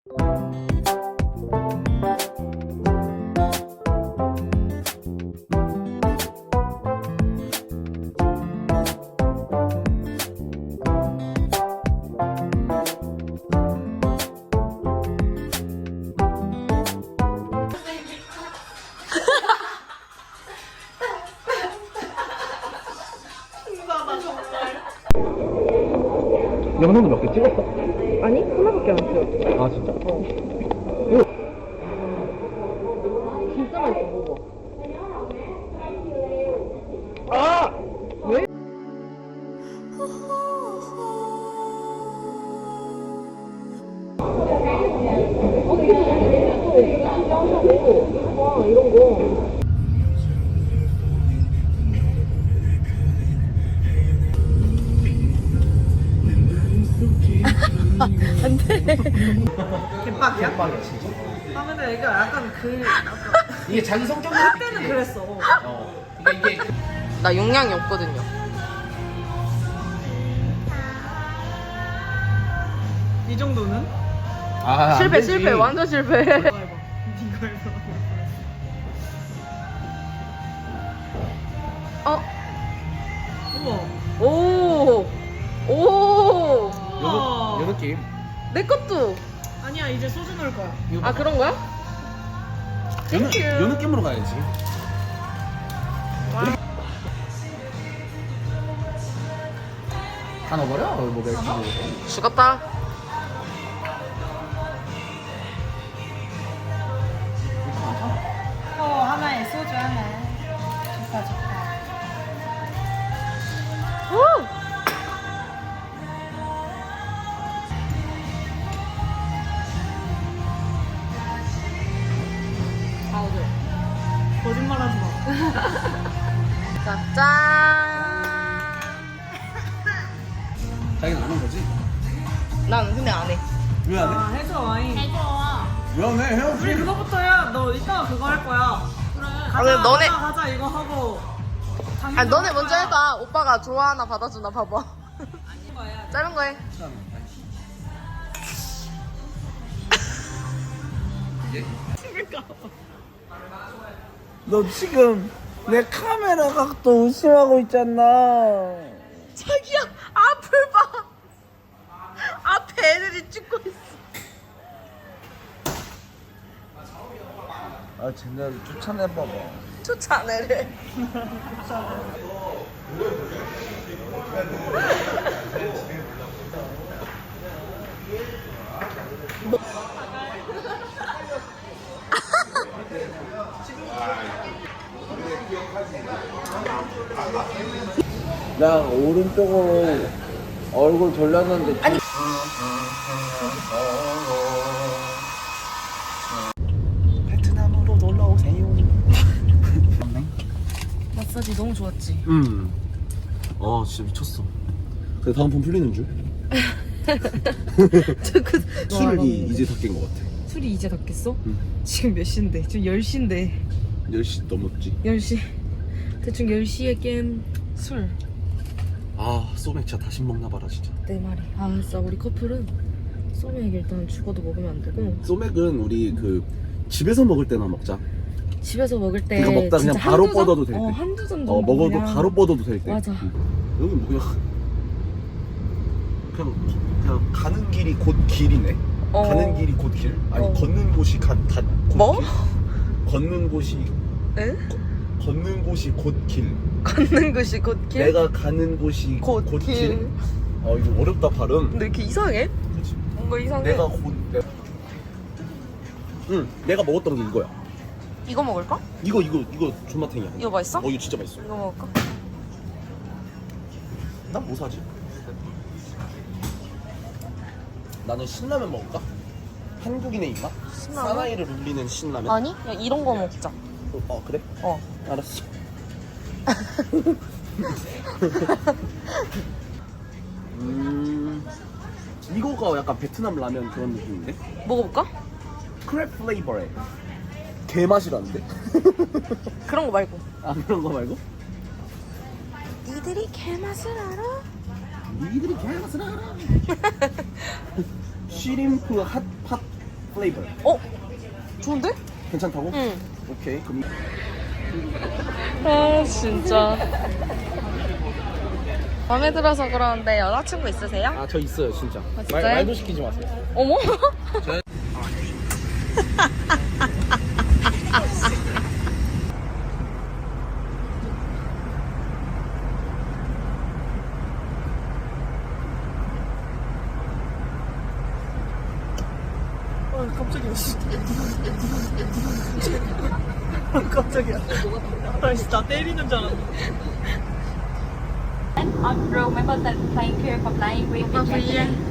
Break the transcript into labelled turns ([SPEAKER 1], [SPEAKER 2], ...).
[SPEAKER 1] 영상도 몇 개 찍었어?
[SPEAKER 2] 아니, 하나밖에 안 찍었어.
[SPEAKER 1] 아 진짜?
[SPEAKER 2] 진짜 맛있어, 먹어.
[SPEAKER 1] 아!
[SPEAKER 2] 왜? 이런 거. 안 돼.
[SPEAKER 3] 개빡이야?
[SPEAKER 1] 개빵이야 진짜.
[SPEAKER 3] 아 근데 이게 약간
[SPEAKER 1] 이게 자기 성격을
[SPEAKER 3] 그때는 그랬어.
[SPEAKER 1] 이게
[SPEAKER 2] 나 용량이 없거든요.
[SPEAKER 3] 이 정도는?
[SPEAKER 1] 아,
[SPEAKER 2] 실패, 실패, 완전 실패.
[SPEAKER 3] 이거 해봐. 이거 해봐.
[SPEAKER 2] 어?
[SPEAKER 3] 우와.
[SPEAKER 2] 오! 오!
[SPEAKER 3] 우와.
[SPEAKER 1] 요 느낌.
[SPEAKER 2] 내 것도!
[SPEAKER 3] 아니야 이제 소주 넣을 거야.
[SPEAKER 2] 아, 그런 거야?
[SPEAKER 1] 요 느낌으로 가야지. 다 넣어버려? 뭐 맥주.
[SPEAKER 2] 죽었다.
[SPEAKER 3] 하나에 소주 하나. 좋다 좋다.
[SPEAKER 2] 오!
[SPEAKER 3] 아 어제. 거짓말하지 마.
[SPEAKER 2] 자, 짠!
[SPEAKER 1] 자기는 안 한 거지?
[SPEAKER 2] 난 근데 안 해.
[SPEAKER 1] 왜 안 해?
[SPEAKER 3] 아 해줘 와인.
[SPEAKER 1] 왜 안 해?
[SPEAKER 3] 우리
[SPEAKER 1] 헤어지.
[SPEAKER 3] 그거부터 해야. 너 이따가 그거 할 거야. 그래. 가자,
[SPEAKER 2] 그럼 너네-
[SPEAKER 3] 가자 이거 하고.
[SPEAKER 2] 아니, 너네 먼저 해봐. 오빠가 좋아하나 받아주나 봐봐. 짧은 거 해.
[SPEAKER 4] 너 지금 내 카메라 각도 의심하고 있잖아.
[SPEAKER 2] 자기야, 앞을 봐. 앞에 애들이 찍고 있어.
[SPEAKER 4] 아, 쟤네를 쫓아내봐봐.
[SPEAKER 2] 쫓아내래.
[SPEAKER 4] 나 오른쪽으로 얼굴 돌렸는데. 아니. 베트남으로 놀러 오세요.
[SPEAKER 2] 마사지 너무 좋았지.
[SPEAKER 1] 진짜 미쳤어. 근데 다음 번 풀리는 줄? 술이 이제 다 깬 것 같아.
[SPEAKER 2] 술이 이제 다 깼어?
[SPEAKER 1] 응.
[SPEAKER 2] 지금 몇 시인데? 지금 10시인데.
[SPEAKER 1] 10시 넘었지.
[SPEAKER 2] 10시. 대충 10시에 깬 술.
[SPEAKER 1] 아, 소맥 진짜 다시 먹나 봐라 진짜.
[SPEAKER 2] 내 말이. 아, 진짜 우리 커플은 소맥 일단 죽어도 먹으면 안 되고.
[SPEAKER 1] 소맥은 우리 그 집에서 먹을 때나 먹자.
[SPEAKER 2] 집에서 먹을 때
[SPEAKER 1] 그거 먹다 그냥
[SPEAKER 2] 진짜
[SPEAKER 1] 바로
[SPEAKER 2] 한두 잔?
[SPEAKER 1] 뻗어도 될 때.
[SPEAKER 2] 한두 잔 정도.
[SPEAKER 1] 먹어도
[SPEAKER 2] 그냥.
[SPEAKER 1] 바로 뻗어도 될 때.
[SPEAKER 2] 맞아.
[SPEAKER 1] 여기 뭐야? 그냥 가는 길이 곧 길이네.
[SPEAKER 2] 어.
[SPEAKER 1] 가는 길이 곧 길. 아니
[SPEAKER 2] 어.
[SPEAKER 1] 걷는 곳이 곧
[SPEAKER 2] 뭐?
[SPEAKER 1] 길. 걷는 곳이
[SPEAKER 2] 응?
[SPEAKER 1] 걷는 곳이 곧 길.
[SPEAKER 2] 걷는 곳이 곧 길?
[SPEAKER 1] 내가 가는 곳이
[SPEAKER 2] 곧
[SPEAKER 1] 곧
[SPEAKER 2] 길.
[SPEAKER 1] 길. 이거 어렵다 발음.
[SPEAKER 2] 근데 이렇게 이상해?
[SPEAKER 1] 그렇지.
[SPEAKER 2] 뭔가 이상해.
[SPEAKER 1] 내가 먹었던 게 이거야.
[SPEAKER 2] 이거 먹을까?
[SPEAKER 1] 이거 존맛탱이야.
[SPEAKER 2] 이거 맛있어?
[SPEAKER 1] 이거 진짜 맛있어.
[SPEAKER 2] 이거 먹을까?
[SPEAKER 1] 난 뭐 사지? 나는 신라면 먹을까? 한국인의 입맛?
[SPEAKER 2] 신라면?
[SPEAKER 1] 사나이를 울리는 신라면?
[SPEAKER 2] 아니? 야, 이런 거 먹자.
[SPEAKER 1] 그래?
[SPEAKER 2] 어.
[SPEAKER 1] 알았어. 이거가 약간 베트남 라면 그런 느낌인데?
[SPEAKER 2] 먹어볼까?
[SPEAKER 1] 크랩 플레이버에 개맛이라는데?
[SPEAKER 2] 그런 거 말고.
[SPEAKER 1] 아, 그런 거 말고?
[SPEAKER 2] 니들이 개맛을 알아?
[SPEAKER 1] 니들이 개맛을 알아. 쉬림프 핫팟 플레이버.
[SPEAKER 2] 어? 좋은데?
[SPEAKER 1] 괜찮다고?
[SPEAKER 2] 응.
[SPEAKER 1] 오케이. 그럼
[SPEAKER 2] 아 진짜. 마음에 들어서 그러는데 여자친구 있으세요?
[SPEAKER 1] 아, 저 있어요, 진짜.
[SPEAKER 2] 진짜요?
[SPEAKER 1] 말도 시키지 마세요.
[SPEAKER 2] 어머? 깜짝이야. 깜짝이야. 나 진짜 때리는 줄 알았네.
[SPEAKER 5] On road, remember that flying here for flying with the
[SPEAKER 2] Vâng,
[SPEAKER 5] jacket.